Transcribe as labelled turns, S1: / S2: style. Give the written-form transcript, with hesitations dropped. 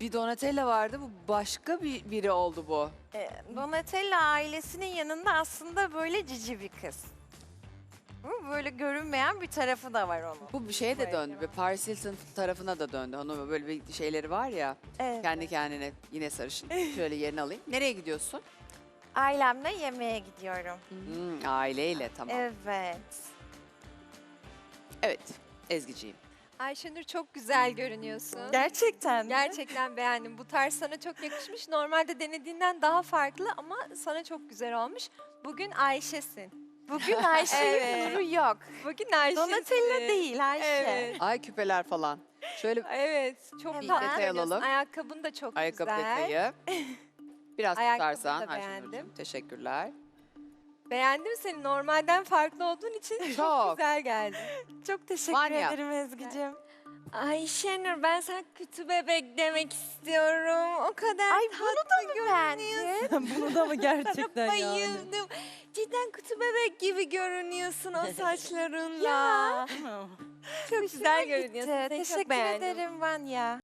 S1: bir Donatella vardı. Bu başka biri oldu bu.
S2: Donatella ailesinin yanında aslında böyle cici bir kız. Bu böyle görünmeyen bir tarafı da var onun.
S1: Bu bir şeye de
S2: Böyle
S1: döndü.
S2: var.
S1: Ve Paris Hilton tarafına da döndü. Onun böyle bir şeyleri var ya.
S2: Evet.
S1: Kendi kendine yine sarışın. Şöyle yerini alayım. Nereye gidiyorsun?
S2: Ailemle yemeğe gidiyorum.
S1: Aileyle tamam.
S2: Evet.
S1: Evet. Ezgi'ciğim.
S3: Ayşenur çok güzel görünüyorsun.
S2: Gerçekten mi?
S3: Gerçekten beğendim. Bu tarz sana çok yakışmış. Normalde denediğinden daha farklı ama sana çok güzel olmuş. Bugün Ayşe'sin.
S2: Bugün Ayşe'nin
S3: Evet.
S2: nuru yok.
S3: Bugün Ayşe'sin.
S2: Donatella değil Ayşe.
S3: Evet.
S1: Ay küpeler falan. Şöyle
S3: Evet. Çok
S2: Bir
S3: tatlı
S1: detay
S3: görünüyorsun.
S1: alalım.
S3: Ayakkabın da çok
S1: ayakkabı
S3: güzel.
S1: detayı. Biraz
S3: Ayakkabını
S1: tutarsan
S3: da
S1: Ayşenurcuğum.
S3: beğendim.
S1: Teşekkürler.
S3: Beğendim seni. Normalden farklı olduğun için çok
S1: Çok.
S3: güzel geldi.
S2: Çok teşekkür
S1: Vanya.
S2: ederim Ezgi'cim.
S3: Ayşenur ben sana kötü bebek demek istiyorum. O kadar
S2: Ay bunu da mı beğendin?
S4: Bunu da mı gerçekten yani?
S3: bayıldım. Cidden kutu bebek gibi görünüyorsun o saçlarınla.
S2: Ya.
S3: Çok güzel
S2: Gitti.
S3: görünüyorsun. Seni çok
S2: Teşekkür
S3: beğendim.
S2: ederim Vanya.